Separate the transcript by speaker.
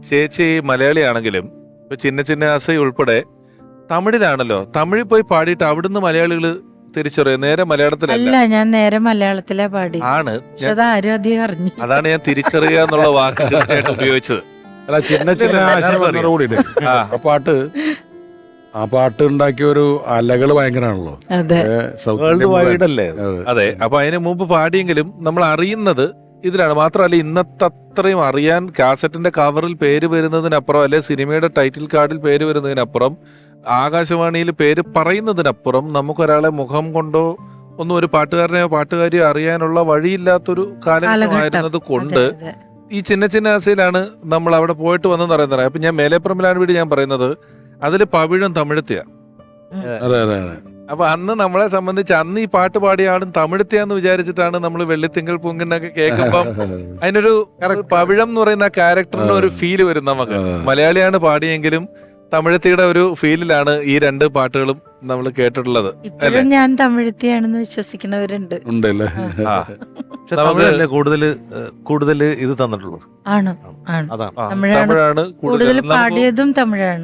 Speaker 1: ചേച്ചി മലയാളിയാണെങ്കിലും ഇപ്പൊ ചിന്ന ചിന്ന ആസൈ ഉൾപ്പെടെ തമിഴിലാണല്ലോ. തമിഴിൽ പോയി പാടിയിട്ട് അവിടുന്ന് മലയാളികൾ തിരിച്ചറിയും, നേരെ മലയാളത്തിലല്ല.
Speaker 2: അല്ല, ഞാൻ നേരെ മലയാളത്തിലാ പാടി.
Speaker 1: ആണ്
Speaker 2: പക്ഷെ അത് ആരും അധികം അറിഞ്ഞു.
Speaker 1: അതാണ് ഞാൻ തിരിച്ചറിയുക എന്നുള്ള വാക്ക് കൃത്യമായിട്ട് ഉപയോഗിച്ചത്.
Speaker 3: അല്ല, ചിന്ന ചിന്ന ആശയം കൂടിയിട്ട് ആ പാട്ട് ഉണ്ടാക്കിയ ഒരു അലകൾ ഭയങ്കരമാണല്ലോ.
Speaker 2: അതെ,
Speaker 4: വേൾഡ് വൈഡ് അല്ലേ?
Speaker 1: അതെ. അപ്പൊ അതിന് മുമ്പ് പാടിയെങ്കിലും നമ്മൾ അറിയുന്നത് ഇതിലാണ്. മാത്രമല്ല ഇന്നത്തെ അത്രയും അറിയാൻ കാസറ്റിന്റെ കവറിൽ പേര് വരുന്നതിനപ്പുറം, അല്ലെ സിനിമയുടെ ടൈറ്റിൽ കാർഡിൽ പേര് വരുന്നതിനപ്പുറം, ആകാശവാണിയിൽ പേര് പറയുന്നതിനപ്പുറം നമുക്കൊരാളെ മുഖം കൊണ്ടോ ഒന്നും ഒരു പാട്ടുകാരനെയോ പാട്ടുകാരിയോ അറിയാനുള്ള വഴിയില്ലാത്തൊരു കാലഘട്ടമായിരുന്നത് കൊണ്ട് ഈ ചിന്ന ചിന്ന ആസയിലാണ് നമ്മൾ അവിടെ പോയിട്ട് വന്നെന്ന് പറയുന്നത്. അപ്പൊ ഞാൻ മേലേപ്പുറമിലാണ് വീട് ഞാൻ പറയുന്നത്, അതിൽ പവിഴം തമിഴത്തിയ.
Speaker 3: അതെ അതെ അതെ.
Speaker 1: അപ്പൊ അന്ന് നമ്മളെ സംബന്ധിച്ച് അന്ന് ഈ പാട്ട് പാടിയ ആളും തമിഴത്തിയാന്ന് വിചാരിച്ചിട്ടാണ് നമ്മൾ വെള്ളിത്തിങ്കൾ പൂങ്കിണ്ണൊക്കെ കേൾക്കുമ്പം അതിനൊരു പവിഴം എന്ന് പറയുന്ന ആ ക്യാരക്ടറിന് ഒരു ഫീല് വരും നമുക്ക്. മലയാളിയാണ് പാടിയെങ്കിലും തമിഴത്തിയുടെ ഒരു ഫീലിലാണ് ഈ രണ്ട് പാട്ടുകളും നമ്മൾ കേട്ടിട്ടുള്ളത്.
Speaker 2: ഇപ്പോഴും ഞാൻ തമിഴത്തിയാണെന്ന് വിശ്വസിക്കുന്നവരുണ്ട്.
Speaker 3: ഉണ്ടല്ലേ?
Speaker 4: പക്ഷെ തമിഴല്ലേ കൂടുതൽ ഇത് തന്നിട്ടുള്ളൂ.
Speaker 2: ആണ്, ആണ്.
Speaker 4: അതാണ്
Speaker 2: തമിഴാണ്
Speaker 1: തമിഴാണ്
Speaker 2: കൂടുതൽ പാടിയതും തമിഴാണ്.